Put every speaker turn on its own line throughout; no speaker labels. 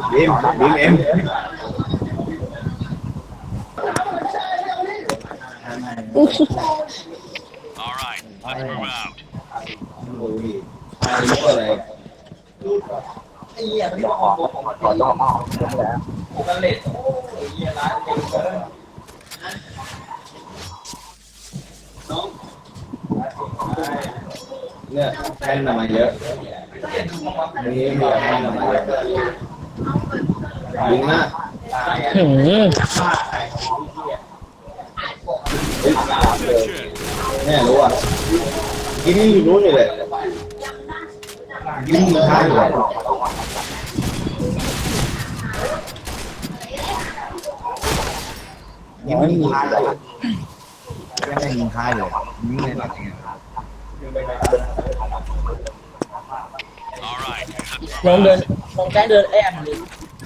บีมเอ็มเนี่ยแท่นมาเยอะนี่มีแท่นมาเยอะยิงมากเนี่ยรู้อ่ะกินนี่รู้อยู่เลยกินมือท้ายอยู่ยิงไม่ยิงท้ายเลยยังไม่ยิงท้ายเลยยิงเลยนะ
ลองเดินลองแกล้งเดินแอบดิ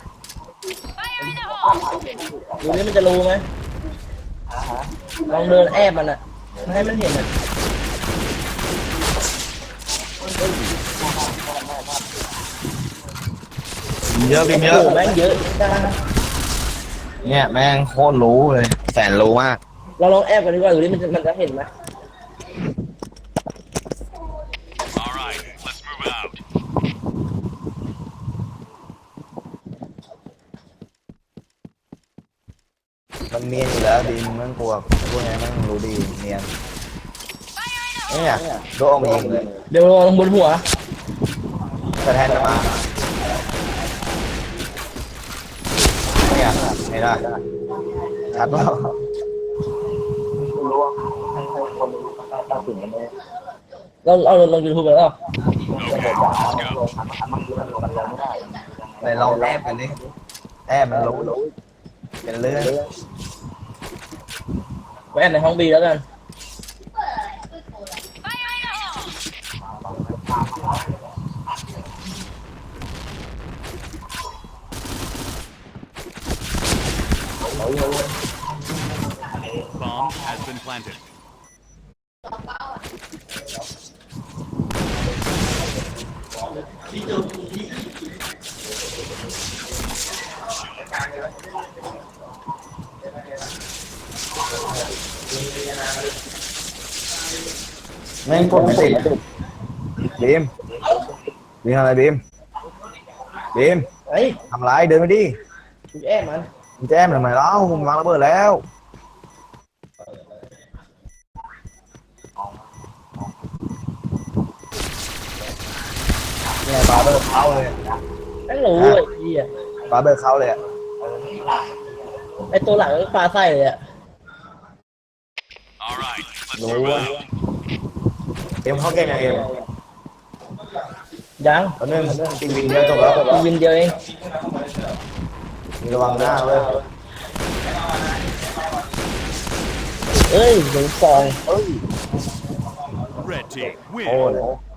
ดูนี่มันจะรู้ไหมลองเดินแอบมันอ่ะไม่ให้มันเห็นอ่ะ
เยอะเยอะ
แม่งเยอะจ้า
เนี่ยแม่งโคตรรู้เลยแสนรู้มาก
เราลองแอบกันดีกว่าดูนี่มันจะเห็นไหม
มันเนียนอยู่แล้วดีมันกลัวพวกนี้มันรู้ดีเนียนเนี่ยโดนยิงเลย
เดี๋ยวลองบนหัว
กระแทกมาเนี่ยไม่ได้ชัดเปล่า
เราลองยูทูบไปแล้ว
ไหนลองแอบกันดิแอบมันรู้เป็นเรื่อง
ไปแอบในห้องบีแล้วกัน
Bomb has been planted.
แม่งกดไม่ติดบีมอะไรบีม
ไอ้
ทำไรเดินไปดิ
แอบมัน
แจมทำไมเล่ามึงวางระเบิดแล้วเนี่ยปาเบิร์เข้าเลย
นั่นรู้ไอ้เหี้ย
ปาเบิร์เข้าเลย
ไอ้ตัวหลังปลาไส้เลยอ่ะ
รู้ว่าเอ็มเข้าเกมยังเอ็ม
ยัง
ตอนนึงตีวินเดียวจบแล้ว
วินเดียวเอง
มีระวังหน้าเลย
เอ้ยหนูฟอง
Red team win.
โอ้เลย